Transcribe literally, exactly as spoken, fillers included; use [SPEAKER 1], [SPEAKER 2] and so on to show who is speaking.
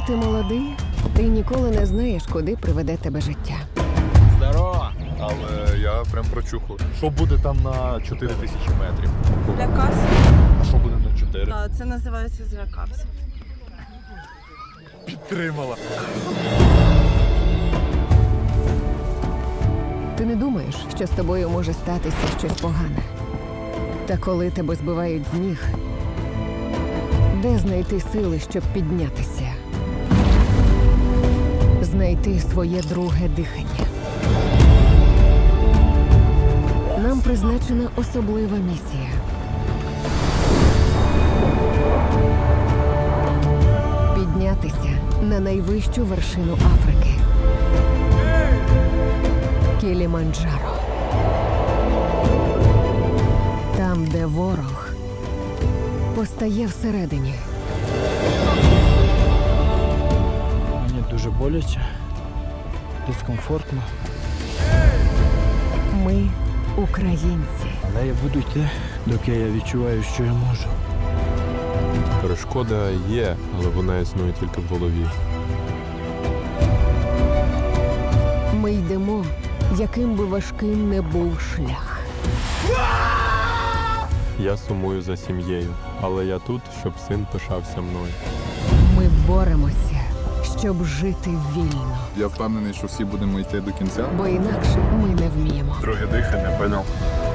[SPEAKER 1] ти молодий, ти ніколи не знаєш, куди приведе тебе життя.
[SPEAKER 2] Здорово!
[SPEAKER 3] Але я прям прочухав.
[SPEAKER 2] Що буде там на чотири тисячі метрів?
[SPEAKER 4] Злякався.
[SPEAKER 2] А що буде на чотири?
[SPEAKER 4] Так, це називається злякався.
[SPEAKER 2] Підтримала.
[SPEAKER 1] Ти не думаєш, що з тобою може статися щось погане. Та коли тебе збивають з ніг, де знайти сили, щоб піднятися? Знайти своє друге дихання. Нам призначена особлива місія. Піднятися на найвищу вершину Африки. Кіліманджаро. Там, де ворог постає всередині.
[SPEAKER 5] Мені дуже боляче, дискомфортно,
[SPEAKER 1] Ми українці.
[SPEAKER 5] але я буду йти, доки я відчуваю, що я можу.
[SPEAKER 3] Перешкода є, але вона існує тільки в голові.
[SPEAKER 1] Ми йдемо, яким би важким не був шлях.
[SPEAKER 3] Я сумую за сім'єю, але я тут, щоб син пишався мною.
[SPEAKER 1] Ми боремося, щоб жити вільно.
[SPEAKER 6] Я впевнений, що всі будемо йти до кінця.
[SPEAKER 1] Бо інакше ми не вміємо.
[SPEAKER 2] Друге дихання, поняв?